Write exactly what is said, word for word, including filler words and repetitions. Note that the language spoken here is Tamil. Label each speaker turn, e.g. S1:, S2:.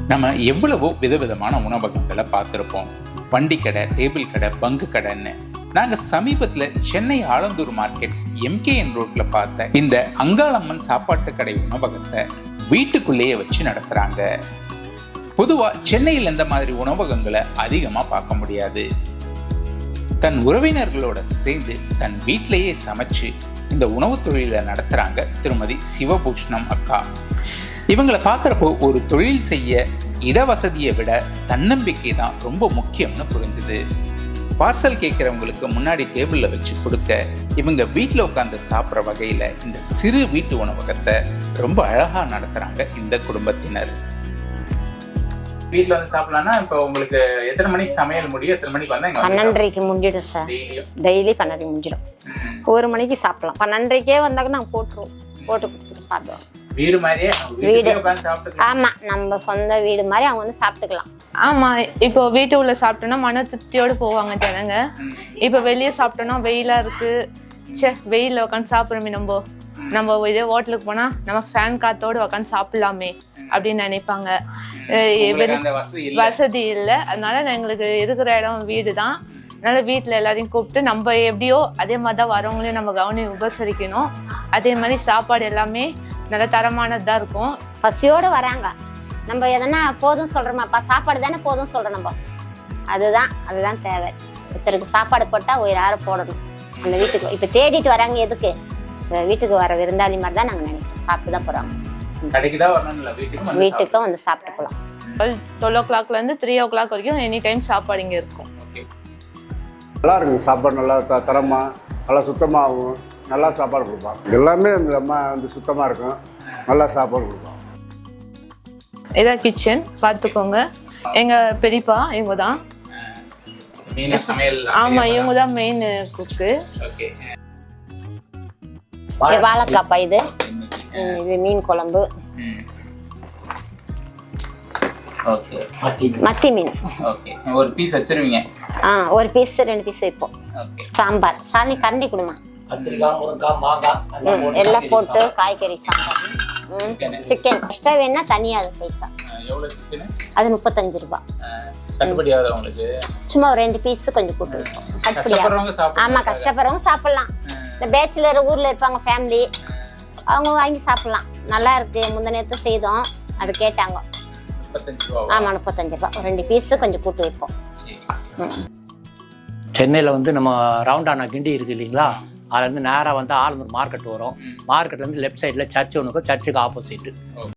S1: நம்ம எவ்வளவோ விதவிதமான உணவகங்களை பார்த்துருப்போம். வண்டி கடை, டேபிள் கடை, பங்கு கடைன்னு. நாங்கள் சமீபத்தில் சென்னை ஆலந்தூர் மார்க்கெட் எம்கேஎன் ரோட்ல பார்த்த இந்த அங்காளம்மன் சாப்பாட்டு கடை உணவகத்தை வீட்டுக்குள்ளேயே வச்சு நடத்துறாங்க. பொதுவாக சென்னையில் இந்த மாதிரி உணவகங்களை அதிகமாக பார்க்க முடியாது. தன் உறவினர்களோட சேர்ந்து தன் வீட்டிலேயே சமைச்சு இந்த உணவு தொழிலை நடத்துறாங்க திருமதி சிவபூஷ்ணம் அக்கா. இவங்களை பார்க்குறப்போ ஒரு தொழில் செய்ய இடவசதியை விட தன்னம்பிக்கை தான் ரொம்ப முக்கியம்னு புரிஞ்சுது. பார்சல் கேட்குறவங்களுக்கு முன்னாடி டேபிளில் வச்சு கொடுக்க இவங்க வீட்டில் உட்காந்து சாப்பிட்ற வகையில் இந்த சிறு வீட்டு உணவகத்தை ரொம்ப அழகாக நடத்துகிறாங்க இந்த குடும்பத்தினர். வீட்டில் வந்து சாப்பிடலாம்னா இப்போ உங்களுக்கு எத்தனை மணிக்கு சமையல் முடியும்? எத்தனை மணிக்கு வந்தால்?
S2: பன்னெண்டரைக்கு முடிஞ்சிடும் சார். டெய்லி பன்னெண்டு முடிஞ்சிடும். ஒரு மணிக்கு சாப்பிடலாம். பன்னெண்டரைக்கே வந்தாக்க நாங்கள் போட்டுருவோம். போட்டு கொடுத்துட்டு சாப்பிடுவோம்.
S1: வீடு மாதிரியே வீடு.
S2: ஆமா, நம்ம சொந்த வீடு மாதிரி அவங்க வந்து சாப்பிட்டுக்கலாம்.
S3: ஆமா, இப்போ வீட்டு உள்ள சாப்பிட்டோம்னா மன திருப்தியோடு போவாங்க ஜனங்க. இப்போ வெளியே சாப்பிட்டோம்னா வெயிலா இருக்கு, சே வெயில உட்காந்து சாப்பிடுறோமே, நம்ம நம்ம இதே ஹோட்டலுக்கு போனா நம்ம ஃபேன் காத்தோடு உட்காந்து சாப்பிடலாமே அப்படின்னு நினைப்பாங்க. வசதி இல்லை, அதனால எங்களுக்கு இருக்கிற இடம் வீடு தான். அதனால வீட்டில் எல்லாரையும் கூப்பிட்டு நம்ம எப்படியோ அதே மாதிரி தான் வரவங்களையும் நம்ம கவனி உபசரிக்கணும். அதே மாதிரி சாப்பாடு எல்லாமே நல்ல தரமானதாக இருக்கும்.
S2: பசியோடு வராங்க, நம்ம எதனா போதும் சொல்கிறோமாப்பா, சாப்பாடு தானே போதும் சொல்கிறோம் நம்ம. அதுதான் அதுதான் தேவை. ஒருத்தருக்கு சாப்பாடு போட்டால் ஒரு யாரை போடணும் அந்த வீட்டுக்கு. இப்போ தேடிட்டு வராங்க எதுக்கு? வீட்டுக்கு வர விருந்தாளி மாதிரி தான் நாங்கள் நினைக்கிறோம். சாப்பிட்டு தான் போகிறாங்க. வீட்டுக்கும் வந்து சாப்பிட்டு போகலாம்.
S3: டுவெல் ஓ கிளாக்லேருந்து த்ரீ ஓ கிளாக் வரைக்கும் எனி டைம் சாப்பாடு இங்கே இருக்கும்.
S4: நல்லா இருக்குங்க சாப்பாடு. நல்லா த தரமாக நல்லா சுத்தமாகவும் நல்லா சாப்பாடு கொடுப்பாங்க. எல்லாமே இந்த அம்மா வந்து சுத்தமாக இருக்கும், நல்லா சாப்பாடு கொடுப்பாங்க.
S3: இதான் கிச்சன் பார்த்துக்கோங்க. எங்கள் பெரியப்பா இவங்க தான். ஆமாம், இவங்க தான் மெயின் குக்கு.
S2: வாழைக்காப்பா இது இது மீன் குழம்பு, மத்தி மீன்.
S1: ஒரு பீஸ் வச்சிருவீங்க?
S2: ஆ, ஒரு பீஸ் ரெண்டு பீஸ் வைப்போம். சாம்பார் சாலி கரண்டி கொடுமா, எல்லாம் போட்டு காய்கறி சாம்பார். சிக்கன் எக்ஸ்ட்ரா வேணா தனியா அது பைசா. அது முப்பத்தஞ்சு ரூபாய். சும்மா ஒரு ரெண்டு பீஸ் கொஞ்சம் போட்டு வைப்போம். ஆமா, கஷ்டப்படுறவங்க சாப்பிடலாம். இந்த பேச்சுலர் ஊர்ல இருப்பாங்க ஃபேமிலி, அவங்க வாங்கி சாப்பிடலாம். நல்லா இருக்கு. முந்த நேரத்தை செய்தோம், அது கேட்டாங்க. ஆமா, முப்பத்தஞ்சு ரூபாய். ஒரு ரெண்டு பீஸ் கொஞ்சம் கூட்டு வைப்போம்.
S5: சென்னையில் வந்து நம்ம ரவுண்டானா கிண்டி இருக்கு இல்லைங்களா, அதுலேருந்து நேராக வந்து ஆலந்தூர் மார்க்கெட் வரும். மார்க்கெட்லேருந்து லெஃப்ட் சைடில் சர்ச் ஒன்று இருக்கும். சர்ச்சுக்கு ஆப்போசிட்டு